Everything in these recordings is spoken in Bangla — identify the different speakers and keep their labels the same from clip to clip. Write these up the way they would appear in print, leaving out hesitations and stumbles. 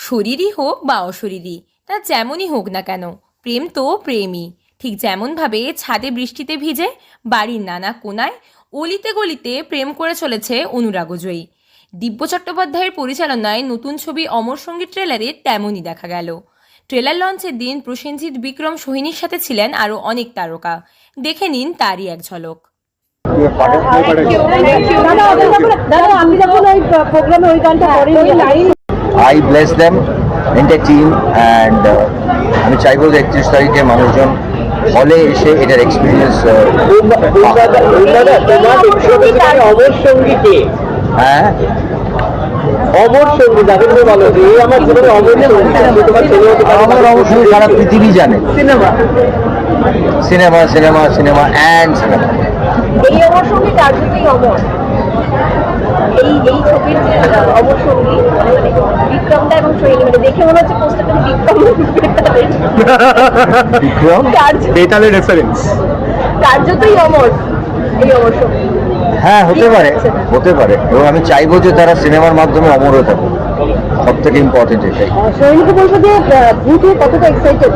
Speaker 1: শরীরই হোক বা অশরীরী, তা যেমনই হোক না কেন, প্রেম তো প্রেমই। ঠিক যেমনভাবে ছাদে বৃষ্টিতে ভিজে বাড়ির নানা কোনায় অলিতে গলিতে প্রেম করে চলেছে অনুরাগজয়ী। দিব্য চট্টোপাধ্যায়ের পরিচালনায় নতুন ছবি অমর সঙ্গীত ট্রেলারে তেমনই দেখা গেল। ট্রেলার লঞ্চের দিন প্রসেনজিৎ, বিক্রম, সোহিনীর সাথে ছিলেন আরও অনেক তারকা। দেখে নিন তারই এক ঝলক।
Speaker 2: I bless them, entire team, and আমি চাইবো যে 31 তারিখে মানুষজন হলে এসে এটার এক্সপিরিয়েন্স
Speaker 3: অমর সঙ্গীতে
Speaker 2: হ্যাঁ
Speaker 3: অমর সঙ্গী যাদেরকে বলো যে আমার জীবনে অমর সঙ্গী
Speaker 2: আমার অবশ্যই সারা পৃথিবী জানে
Speaker 3: cinema
Speaker 2: cinema cinema cinema and cinema.
Speaker 4: এই অমর সঙ্গী তার জন্যই অমর। এই ছবির যে অমর সঙ্গী মানে বিক্রমদা এবং সোহিনী, মানে দেখে মনে হচ্ছে পোস্টারটা
Speaker 2: বিক্রম
Speaker 3: বেতালের রেফারেন্স
Speaker 4: কার্যতই অমর এই অমর সঙ্গী।
Speaker 2: হ্যাঁ হতে পারে, হতে পারে, এবং আমি চাইবো যে তারা সিনেমার মাধ্যমে অমর হতে পারে। সব থেকে ইম্পর্টেন্ট এটাই।
Speaker 4: সোহিনীকে বলবো যে ভূত হয়ে কতটা এক্সাইটেড।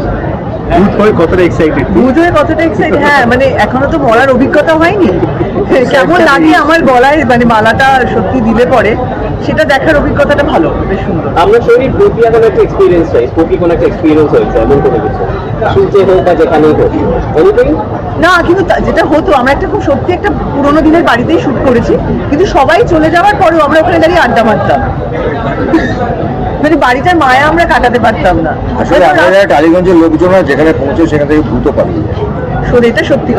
Speaker 3: ভূত হয়ে কতটা এক্সাইটেড? হ্যাঁ, মানে এখনো তো মরার অভিজ্ঞতা হয়নি, কেমন লাগে আমার গলায় মানে মালাটা সত্যি দিলে পরে সেটা দেখার অভিজ্ঞতাটা ভালো, বেশ সুন্দর।
Speaker 5: আমরা শরীর প্রতি এখন একটা এক্সপিরিয়েন্স চাই, স্পোকি কোনো একটা এক্সপিরিয়েন্স হয়েছে এমন কোনো কিছু, শুনতে হোক বা যেখানেই হোক এনিথিং।
Speaker 3: না, কিন্তু যেটা হতো, আমরা একটা খুব সত্যি একটা পুরোনো দিনের বাড়িতেই শুট করেছি, কিন্তু সবাই চলে যাওয়ার পরেও আমরা ওখানে দাঁড়িয়ে আড্ডা মারতাম, মানে বাড়িটার মায়া আমরা কাটাতে পারতাম না।
Speaker 2: আসলে আপনারা টালিগঞ্জের লোকজন যেখানে পৌঁছে সেখান থেকে ভূত পালিয়ে যায়।
Speaker 3: এটা সত্যি